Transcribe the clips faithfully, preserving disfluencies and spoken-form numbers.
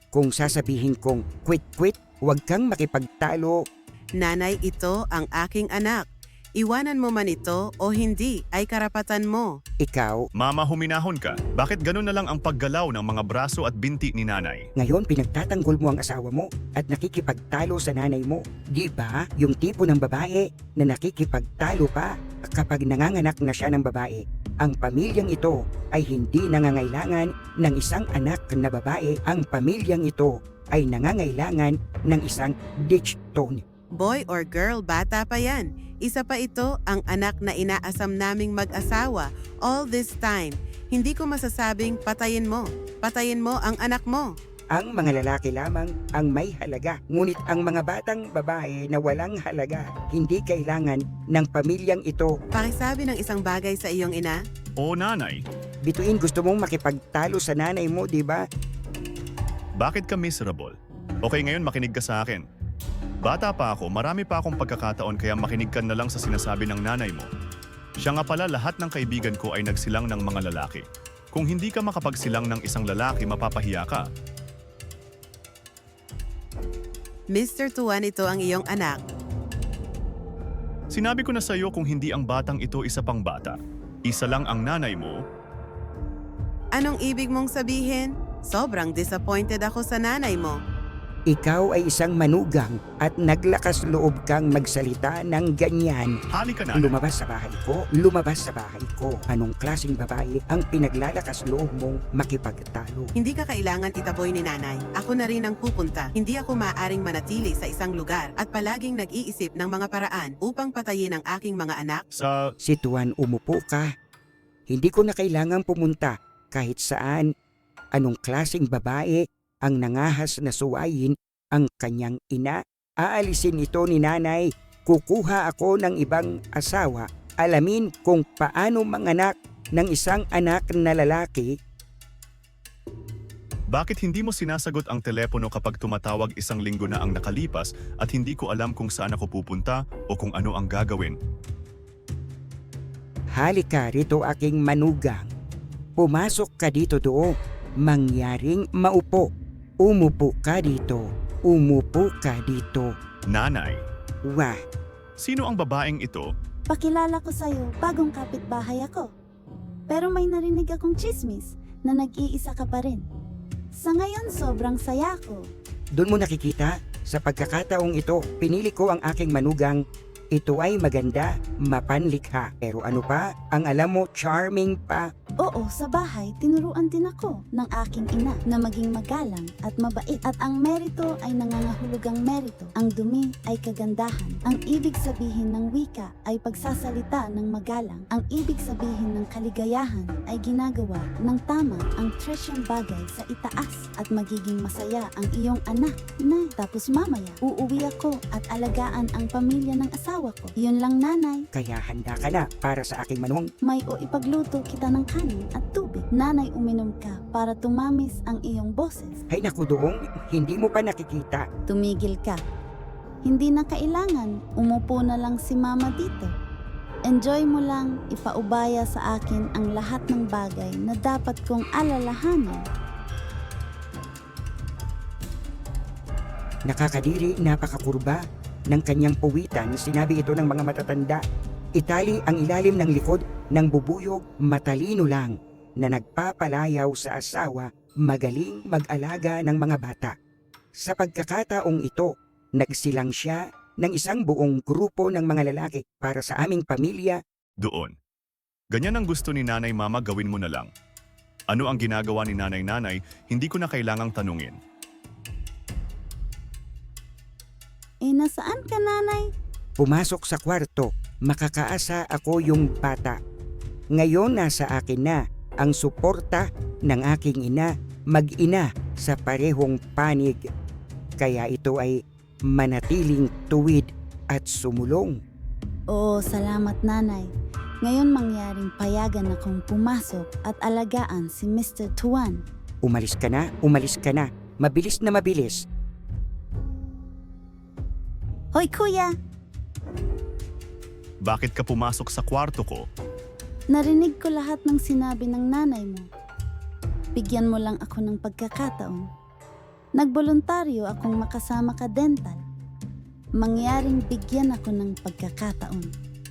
Kung sasabihin kong quit-quit, huwag kang makipagtalo. Nanay, ito ang aking anak. Iwanan mo man ito o hindi ay karapatan mo. Ikaw, Mama, huminahon ka. Bakit ganun na lang ang paggalaw ng mga braso at binti ni nanay? ngayon pinagtatanggol mo ang asawa mo at nakikipagtalo sa nanay mo. Di ba yung tipo ng babae na nakikipagtalo pa kapag nanganganak na siya ng babae? Ang pamilyang ito ay hindi nangangailangan ng isang anak na babae. Ang pamilyang ito ay nangangailangan ng isang ditch tone. Boy or girl, bata pa yan. Isa pa ito ang anak na inaasam naming mag-asawa all this time. Hindi ko masasabing patayin mo. Patayin mo ang anak mo. Ang mga lalaki lamang ang may halaga. Ngunit ang mga batang babae na walang halaga, hindi kailangan ng pamilyang ito. Pakisabi ng isang bagay sa iyong ina. O nanay, Bituin, gusto mong makipagtalo sa nanay mo, di ba? bakit ka miserable? Okay, ngayon makinig ka sa akin. Bata pa ako, marami pa akong pagkakataon kaya makinig ka na lang sa sinasabi ng nanay mo. Siya nga pala, lahat ng kaibigan ko ay nagsilang ng mga lalaki. Kung hindi ka makapagsilang ng isang lalaki, mapapahiya ka. Mister Tuan, ito ang iyong anak. Sinabi ko na sa iyo kung hindi ang batang ito isa pang bata. Isa lang ang nanay mo. Anong ibig mong sabihin? Sobrang disappointed ako sa nanay mo. Ikaw ay isang manugang at naglakas loob kang magsalita ng ganyan. Halika na. Lumabas sa bahay ko, lumabas sa bahay ko. Anong klaseng babae ang pinaglalakas loob mong makipagtalo? Hindi ka kailangan itaboy ni nanay. Ako na rin ang pupunta. Hindi ako maaaring manatili sa isang lugar at palaging nag-iisip ng mga paraan upang patayin ang aking mga anak. Sa... Si Tuan, umupo ka. Hindi ko na kailangang pumunta kahit saan. Anong klaseng babae ang nangahas na suwayin ang kanyang ina? Aalisin ito ni nanay. Kukuha ako ng ibang asawa. Alamin kung paano manganak ng isang anak na lalaki. Bakit hindi mo sinasagot ang telepono kapag tumatawag isang linggo na ang nakalipas at hindi ko alam kung saan ako pupunta o kung ano ang gagawin? Halika rito, aking manugang. Pumasok ka dito doon. Mangyaring maupo. Umupo ka dito. Umupo ka dito. Nanay, Wah, sino ang babaeng ito? Pakilala ko sa'yo, bagong kapitbahay ako. Pero may narinig akong chismis na nag-iisa ka pa rin. Sa ngayon, sobrang saya ko. doon mo nakikita? Sa pagkakataong ito, pinili ko ang aking manugang. Ito ay maganda, mapanlikha. Pero ano pa? Ang alam mo, charming pa. Oo, sa bahay, tinuruan din ako ng aking ina na maging magalang at mabait. At ang merito ay nangangahulugang merito. Ang dumi ay kagandahan. Ang ibig sabihin ng wika ay pagsasalita ng magalang. Ang ibig sabihin ng kaligayahan ay ginagawa ng tama ang tresyang bagay sa itaas at magiging masaya ang iyong anak. Nay, tapos mamaya, uuwi ako at alagaan ang pamilya ng asawa ko. Yun lang, nanay. Kaya handa ka na para sa aking manong. May o ipagluto kita ng kanin at tubig. Nanay, uminom ka para tumamis ang iyong boses. Ay naku doong, hindi mo pa nakikita. Tumigil ka. Hindi na kailangan. Umupo na lang si mama dito. Enjoy mo lang ipaubaya sa akin ang lahat ng bagay na dapat kong alalahanin. Nakakadiri, napakakurba ng kanyang puwitan. Sinabi ito ng mga matatanda. Itali ang ilalim ng likod ng bubuyog, matalino lang na nagpapalayaw sa asawa, magaling mag-alaga ng mga bata. Sa pagkakataong ito, nagsilang siya ng isang buong grupo ng mga lalaki para sa aming pamilya. Doon. Ganyan ang gusto ni nanay-mama, gawin mo na lang. Ano ang ginagawa ni nanay-nanay, hindi ko na kailangang tanungin. Eh, nasaan ka, nanay? Pumasok sa kwarto, makakaasa ako yung bata. Ngayon nasa akin na ang suporta ng aking ina, mag-ina sa parehong panig. Kaya ito ay manatiling tuwid at sumulong. Oo, salamat, nanay. Ngayon mangyaring payagan akong pumasok at alagaan si Mister Tuan. Umalis ka na, umalis ka na. Mabilis na mabilis. Hoy, kuya! Bakit ka pumasok sa kwarto ko? Narinig ko lahat ng sinabi ng nanay mo. Bigyan mo lang ako ng pagkakataon. Nagboluntaryo akong makasama ka, Dental. Mangyaring bigyan ako ng pagkakataon.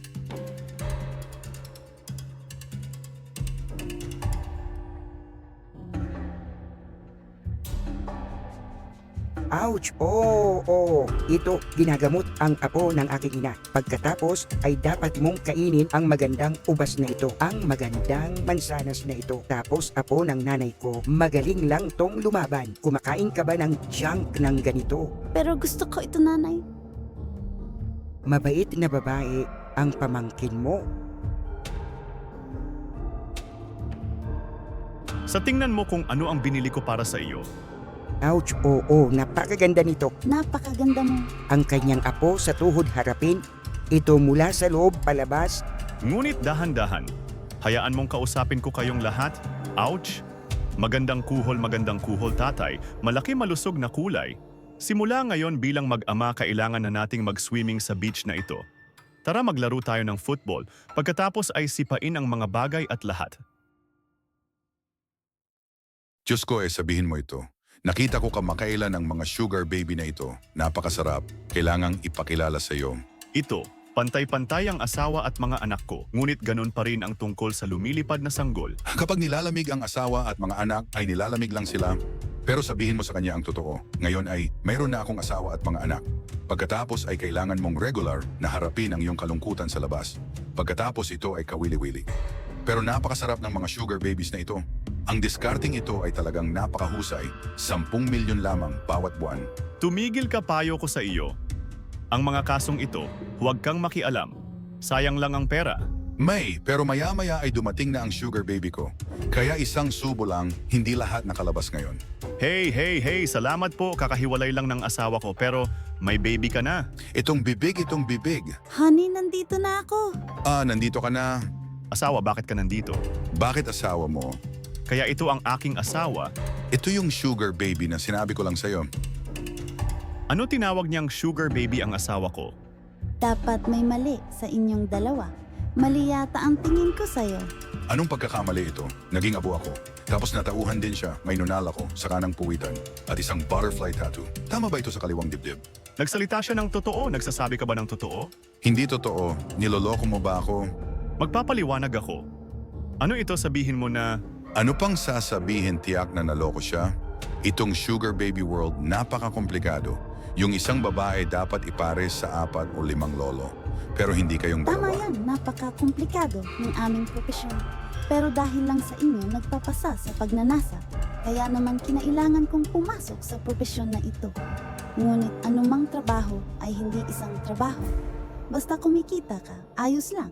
Ouch! Oo, oo. Ito, ginagamot ang apo ng aking ina. Pagkatapos ay dapat mong kainin ang magandang ubas na ito. Ang magandang mansanas na ito. Tapos apo ng nanay ko, magaling lang tong lumaban. Kumakain ka ba ng junk ng ganito? Pero gusto ko ito, nanay. Mabait na babae ang pamangkin mo. Sa tingnan mo kung ano ang binili ko para sa iyo. Ouch! Oo, napakaganda nito. Napakaganda mo. Ang kanyang apo sa tuhod harapin. Ito mula sa loob palabas. Ngunit dahan-dahan, hayaan mong kausapin ko kayong lahat. Ouch! Magandang kuhol, magandang kuhol, tatay. Malaki malusog na kulay. Simula ngayon bilang mag-ama, kailangan na nating mag-swimming sa beach na ito. Tara maglaro tayo ng football. Pagkatapos ay sipain ang mga bagay at lahat. Diyos ko eh, sabihin mo ito. Nakita ko kamakailan ang mga sugar baby na ito. Napakasarap. Kailangang ipakilala sa iyo. Ito, pantay-pantay ang asawa at mga anak ko. Ngunit ganun pa rin ang tungkol sa lumilipad na sanggol. Kapag nilalamig ang asawa at mga anak ay nilalamig lang sila. Pero sabihin mo sa kanya ang totoo. Ngayon ay mayroon na akong asawa at mga anak. Pagkatapos ay kailangan mong regular na harapin ang iyong kalungkutan sa labas. Pagkatapos ito ay kawili-wili. Pero napakasarap ng mga sugar babies na ito. Ang discarding ito ay talagang napakahusay. Sampung milyon lamang bawat buwan. Tumigil ka, payo ko sa iyo. Ang mga kasong ito, huwag kang makialam. Sayang lang ang pera. May, pero maya-maya ay dumating na ang sugar baby ko. Kaya isang subo lang, hindi lahat nakalabas ngayon. Hey, hey, hey, salamat po. Kakahiwalay lang ng asawa ko pero may baby ka na. Itong bibig, itong bibig. Honey, nandito na ako. Ah, nandito ka na. Asawa, bakit ka nandito? Bakit asawa mo? Kaya ito ang aking asawa. Ito yung sugar baby na sinabi ko lang sa'yo. Ano tinawag niyang sugar baby ang asawa ko? Dapat may mali sa inyong dalawa. Mali yata ang tingin ko sa'yo. Anong pagkakamali ito? Naging abo ako. Tapos natauhan din siya, may nunal ako sa kanang puwitan at isang butterfly tattoo. Tama ba ito sa kaliwang dibdib? Nagsalita siya ng totoo? Nagsasabi ka ba ng totoo? Hindi totoo. Niloloko mo ba ako? Magpapaliwanag ako. Ano ito, sabihin mo na Ano pang sasabihin, tiyak na naloko siya? Itong sugar baby world napaka-komplikado. Yung isang babae dapat ipares sa apat o limang lolo. Pero hindi kayong Tama dalawa. yan, napaka-komplikado ng aming propesyon. Pero dahil lang sa inyo nagpapasa sa pagnanasa, kaya naman kinailangan kong pumasok sa propesyon na ito. Ngunit anumang trabaho ay hindi isang trabaho. Basta kumikita ka, ayos lang.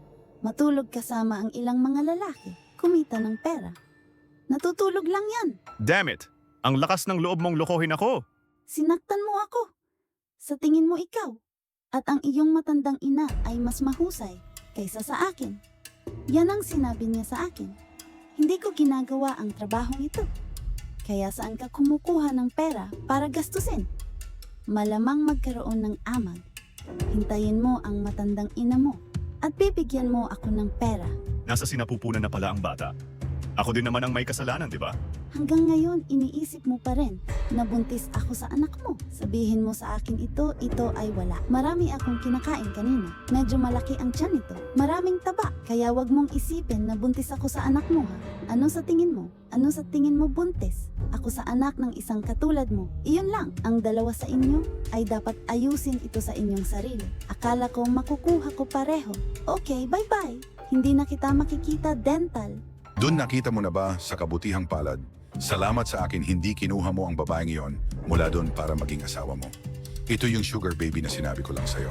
Matulog kasama ang ilang mga lalaki, kumita ng pera. Natutulog lang yan. damn it! Ang lakas ng loob mong lokohin ako! Sinaktan mo ako. Sa tingin mo ikaw. At ang iyong matandang ina ay mas mahusay kaysa sa akin. Yan ang sinabi niya sa akin. Hindi ko ginagawa ang trabahong ito. Kaya saan ka kumukuha ng pera para gastusin? Malamang magkaroon ng amag. Hintayin mo ang matandang ina mo at bibigyan mo ako ng pera. Nasa sinapupunan na pala ang bata. Ako din naman ang may kasalanan, di ba? Hanggang ngayon, iniisip mo pa rin na buntis ako sa anak mo. Sabihin mo sa akin ito, ito ay wala. Marami akong kinakain kanina. Medyo malaki ang tiyan nito. Maraming taba. Kaya wag mong isipin na buntis ako sa anak mo, ha? Ano sa tingin mo? Ano sa tingin mo buntis? Ako sa anak ng isang katulad mo. Iyon lang. Ang dalawa sa inyo ay dapat ayusin ito sa inyong sarili. Akala ko makukuha ko pareho. Okay, bye-bye. Hindi na kita makikita, Dental. Doon nakita mo na ba sa kabutihang palad? Salamat sa akin hindi kinuha mo ang babaeng iyon mula doon para maging asawa mo. Ito yung sugar baby na sinabi ko lang sa'yo.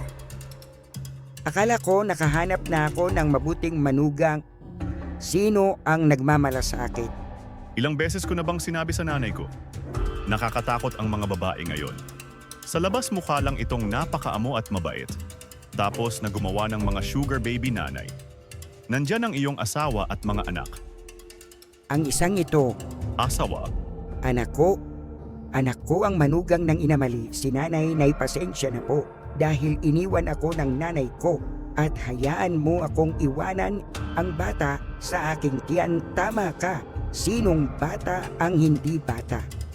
Akala ko nakahanap na ako ng mabuting manugang. Sino ang nagmamalasakit? Ilang beses ko na bang sinabi sa nanay ko? Nakakatakot ang mga babae ngayon. Sa labas mukha lang itong napakaamo at mabait. Tapos na gumawa ng mga sugar baby nanay. Nandyan ang iyong asawa at mga anak. Ang isang ito, Asawa, anak ko. Anak ko ang manugang ng inamali. Si nanay na'y pasensya na po dahil iniwan ako ng nanay ko at hayaan mo akong iwanan ang bata sa aking tiyan. Tama ka. Sinong bata ang hindi bata?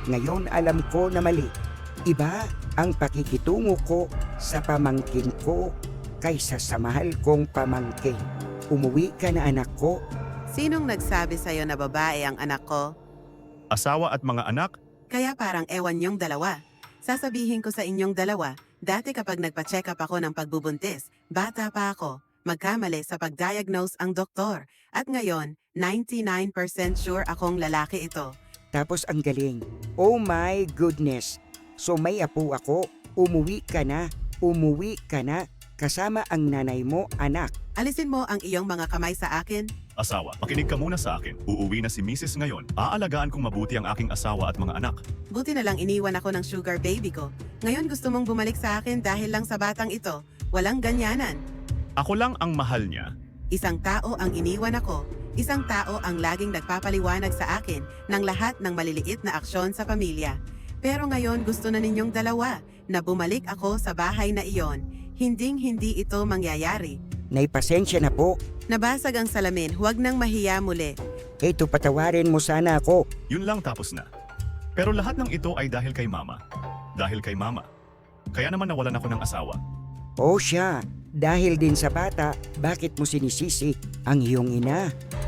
Ngayon alam ko na mali. Iba ang pakikitungo ko sa pamangkin ko kaysa sa mahal kong pamangkin. Umuwi ka na anak ko. Sinong nagsabi sa'yo na babae ang anak ko? Asawa at mga anak? Kaya parang ewan yung dalawa. Sasabihin ko sa inyong dalawa, dati kapag nagpa-check up ako ng pagbubuntis, bata pa ako, magkamali sa pag-diagnose ang doktor. At ngayon, ninety-nine percent sure akong lalaki ito. Tapos ang galing. Oh my goodness. So may apo ako. Umuwi ka na. Umuwi ka na. Kasama ang nanay mo, anak. Alisin mo ang iyong mga kamay sa akin. Asawa, makinig ka muna sa akin. Uuwi na si Missus ngayon. Aalagaan kong mabuti ang aking asawa at mga anak. Buti na lang iniwan ako ng sugar baby ko. Ngayon gusto mong bumalik sa akin dahil lang sa batang ito. Walang ganyanan. Ako lang ang mahal niya. Isang tao ang iniwan ako. Isang tao ang laging nagpapaliwanag sa akin ng lahat ng maliliit na aksyon sa pamilya. Pero ngayon gusto na ninyong dalawa na bumalik ako sa bahay na iyon. Hinding-hindi ito mangyayari. Naipasensya na po. Nabasag ang salamin, huwag nang mahiya muli. Eto, patawarin mo sana ako. Yun lang tapos na. Pero lahat ng ito ay dahil kay Mama. Dahil kay Mama. Kaya naman nawalan ako ng asawa. O siya, dahil din sa bata, bakit mo sinisisi ang iyong ina?